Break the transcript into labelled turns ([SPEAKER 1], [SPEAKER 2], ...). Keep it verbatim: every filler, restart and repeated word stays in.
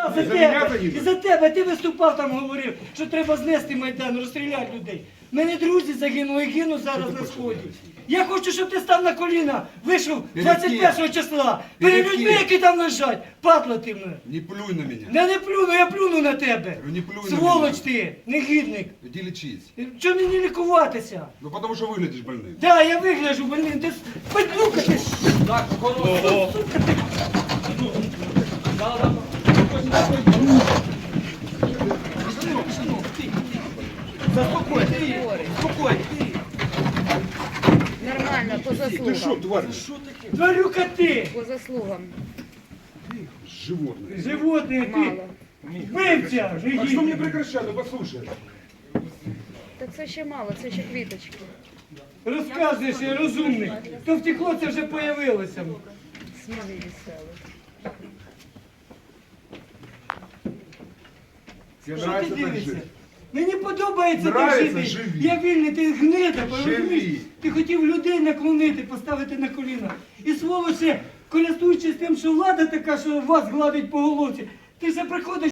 [SPEAKER 1] Да, за
[SPEAKER 2] За мене
[SPEAKER 1] тебе.
[SPEAKER 2] загинуть?
[SPEAKER 1] І за тебе. Ти виступав там, говорив, що треба знести Майдан, розстріляти людей. У мене друзі загинули і гинуть зараз на сході. Я хочу, щоб ти став на коліна, вийшов двадцять першого числа. Перед
[SPEAKER 2] Перед
[SPEAKER 1] людьми,
[SPEAKER 2] ким?
[SPEAKER 1] які там лежать. Падла ти мене.
[SPEAKER 2] Не плюй на меня.
[SPEAKER 1] Я не плюну, я плюну на тебе.
[SPEAKER 2] Не плюй на
[SPEAKER 1] Сволоч
[SPEAKER 2] меня.
[SPEAKER 1] ти, негідник.
[SPEAKER 2] Иди лечись.
[SPEAKER 1] Чому мені лікуватися?
[SPEAKER 2] Ну потому что выглядишь больным.
[SPEAKER 1] Да, я вигляжу, блин, ти падлюка ти.
[SPEAKER 3] Так, охорона.
[SPEAKER 1] Заспокой, ти, спокой, ти.
[SPEAKER 4] Нормально, по
[SPEAKER 2] Ты что,
[SPEAKER 4] заслугам.
[SPEAKER 2] тварь?
[SPEAKER 1] Тварюка ти,
[SPEAKER 4] По заслугам.
[SPEAKER 2] Животное.
[SPEAKER 1] животне ти.
[SPEAKER 4] Мало.
[SPEAKER 1] Вбивця,
[SPEAKER 2] А что мне
[SPEAKER 1] негідник.
[SPEAKER 2] прекращать? Ну послушай.
[SPEAKER 4] Так це ще мало, це ще квіточки.
[SPEAKER 1] Розказуєш, я розумний. То втекло, це вже появилося.
[SPEAKER 4] Сміли веселі.
[SPEAKER 2] Тебе
[SPEAKER 1] Що ти
[SPEAKER 2] нравится так
[SPEAKER 1] дивишся?
[SPEAKER 2] жить?
[SPEAKER 1] Мені подобається так
[SPEAKER 2] Нравиться,
[SPEAKER 1] жити.
[SPEAKER 2] живі.
[SPEAKER 1] Я вільний, ти гнида,
[SPEAKER 2] Живі.
[SPEAKER 1] розумієш? Ти хотів людей наклонити, поставити на коліна. І сволоче, користуючись тим, що влада така, що вас гладить по головці, ти вже приходиш